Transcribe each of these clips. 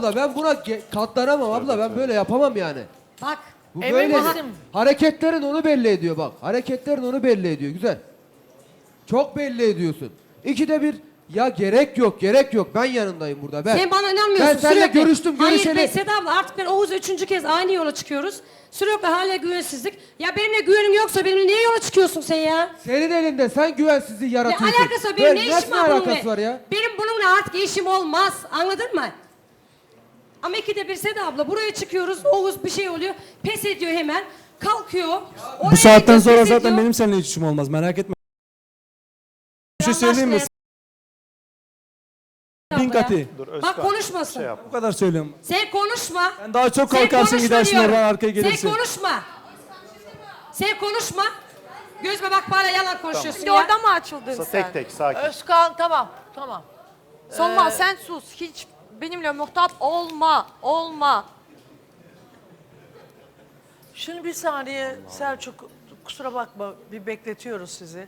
Abla ben buna katlanamam abla, ben böyle yapamam yani. Bak. Bu Emin böyle misin? hareketlerin onu belli ediyor bak. Hareketlerin onu belli ediyor, güzel. Çok belli ediyorsun. İkide bir ya gerek yok ben yanındayım burada ben. Sen bana inanmıyorsun. Ben seninle sürekli. görüştüm görüşeli. Hayır Seda abla, artık ben Oğuz'la 3. kez aynı yola çıkıyoruz. Sürekli hala güvensizlik. Ya benimle güvenin yoksa benimle niye yola çıkıyorsun sen ya? Senin elinde, sen güvensizliği Ne yaratıyorsun. alakası var? Benim ne işim nasıl var bununla? alakası var ya? Benim bununla artık işim olmaz. Anladın mı? Ama ikide bir Seda abla buraya çıkıyoruz. Oğuz bir şey oluyor. Pes ediyor hemen. Kalkıyor. Bu saatten sonra zaten benim seninle hiç işim olmaz, merak etme. Bir şey söyleyeyim mi? Bin katı. Bak konuşmasın. Bu kadar söylüyorum. Sen konuşma. Sen daha çok Sen kalkarsın, konuşma gidersin diyorum. oradan arkaya gelirsin. Sen konuşma. Sen konuşma. Gözüme bak, bana yalan konuşuyorsun Şimdi ya. orada mı açıldın sen? Tek tek sakin. Özkan tamam. Sonma sen sus. Hiç benimle muhtap olma. Şimdi bir saniye Selçuk, kusura bakma bir bekletiyoruz sizi.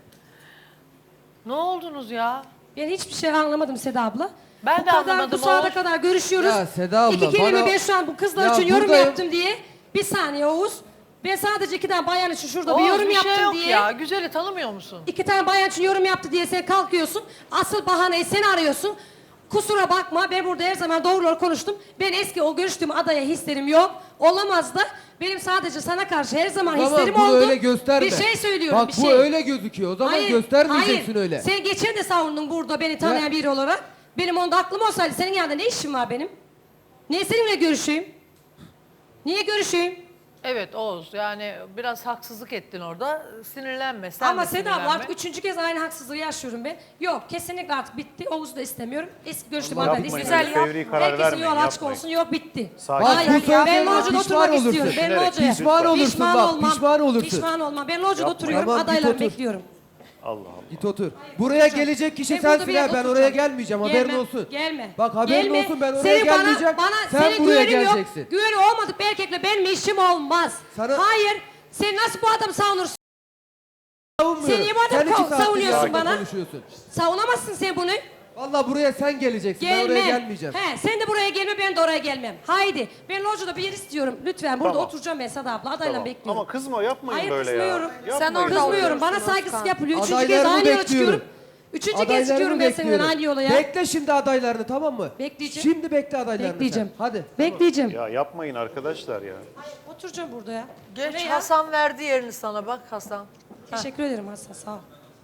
Ne oldunuz ya? Ben hiçbir şey anlamadım Seda abla. Ben bu de kadar, anlamadım, Bu saate Oğuz. kadar görüşüyoruz. Ya Seda abla, İki kelime bana- ben şu an bu kızlar Ya için yorum buradayım. yaptım diye. Bir saniye Oğuz. Ben sadece 2 tane bayan için şurada bir Oğuz, yorum bir yaptım şey yok diye. ya. Güzeli tanımıyor musun? 2 tane bayan için yorum yaptı diye sen kalkıyorsun. Asıl bahaneyi sen arıyorsun. Kusura bakma, ben burada her zaman doğruları konuştum. Ben eski o görüştüğüm adaya hislerim yok. Olamaz da. Benim sadece sana karşı her zaman Tamam, hislerim bunu oldu. öyle gösterme. Bir şey söylüyorum, Bak bir bu şey. öyle gözüküyor, o zaman göstermeyeceksin hayır. öyle. Sen geçen de savundun burada beni tanıyan Ya. biri olarak. Benim onda aklım olsaydı senin yanında ne işim var benim? Niye seninle görüşeyim? Niye görüşeyim? Evet Oğuz, yani biraz haksızlık ettin orada. Sinirlenme, sen Ama de Seda abla, sinirlenme. artık 3. kez aynı haksızlığı yaşıyorum ben. Yok, kesinlikle artık bitti. Oğuz'u da istemiyorum. Eski görüştüğüm Allah adayla yapmayın, güzel öyle yap. fevri karar Herkesin vermeyin, yolu açık yapmayın. olsun. Yok, bitti. Sakin. Bak, Hayır, bu ben sözlerine locada pişman oturmak olursun. istiyorum. Ben Düşünerek, locaya. Pişman olursun bak, pişman olursun. Pişman olma. Ben locada Yapma. oturuyorum. Tamam, git Adaylarımı otur. bekliyorum. Allah Allah. Git otur. Buraya gelecek kişi Ben burada sensin bir ha, yerde ben oraya oturacağım. gelmeyeceğim, haberin Gelme, olsun. Gelme. Bak haberin Gelme. olsun, ben oraya Senin gelmeyeceğim. Sen senin buraya güvenin yok. geleceksin. Güveni olmadık bir erkekle benim işim olmaz. Sana- Hayır. Sen nasıl bu adamı savunursun? Savunmuyorum. Sen niye bu adamı iki saattir savunuyorsun sakin bana? konuşuyorsun. Savunamazsın sen bunu. Vallahi buraya sen geleceksin, ben oraya gelmeyeceğim. He, sen de buraya gelme, ben de oraya gelmem. Haydi. Ben locada bir yer istiyorum. Lütfen burada Tamam. oturacağım ben Sada abla. Adayla Tamam. bekliyorum. Ama kızma, yapmayın Hayır, böyle kızmıyorum. ya. Sen Yapmayın. orada Kızmıyorum. Bana oluyorsun saygısızlık Özkan. yapılıyor. 3. kez Adaylarını aynı yola bekliyorum. çıkıyorum. 3. kez Adaylarını çıkıyorum ben seninle bekliyorum. aynı yola ya. Bekle şimdi adaylarını, tamam mı? Bekleyeceğim. Şimdi bekle adaylarını Bekleyeceğim. sen. Hadi. Bekleyeceğim. Ya yapmayın arkadaşlar ya. Oturacağım burada ya. Geç, Ne ya? Hasan verdi yerini sana, bak Hasan. Teşekkür ederim Hasan, sağ ol.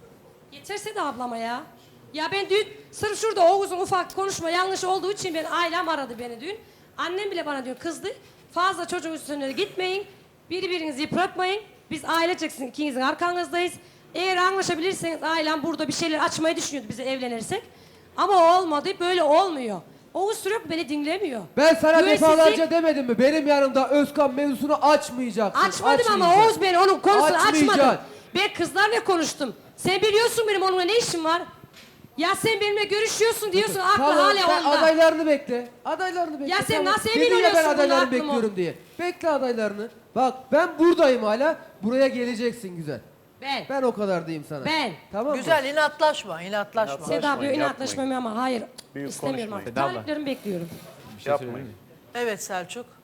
Yeterse de ablama ya. Ya ben dün sırf şurada Oğuz'un ufak konuşma yanlış olduğu için ben ailem aradı beni dün. Annem bile bana diyor kızdı. Fazla çocuğun üstüne gitmeyin. Birbirinizi yıpratmayın. Biz aileceksiniz, ikinizin arkanızdayız. Eğer anlaşabilirseniz ailem burada bir şeyler açmayı düşünüyordu bize evlenirsek. Ama olmadı, böyle olmuyor. Oğuz sürekli beni dinlemiyor. Ben sana Güvensizlik- defalarca demedim mi? Benim yanımda Özkan mevzusunu açmayacaksın. Açmadım ama açmayacaksın. Oğuz beni onun konusunu Açmayacaksın. açmadı. Ben kızlarla konuştum. Sen biliyorsun benim onunla ne işim var. Ya sen benimle görüşüyorsun diyorsun, aklı Tamam, hala sen onda. adaylarını bekle. Adaylarını bekle. Ya sen tamam. nasıl emin Dedin ya oluyorsun ben bunda adaylarını aklım o? bekliyorum diye. Bekle adaylarını. Bak ben buradayım hala. Buraya geleceksin güzel. Ben o kadar diyeyim sana. Ben. Tamam mı? Güzel, inatlaşma, inatlaşma. Seda diyor Yapmayın, inatlaşmamı ama hayır. Büyük istemiyorum konuşmayın. artık. Taliplerimi bekliyorum. Yapmayın. Evet Selçuk.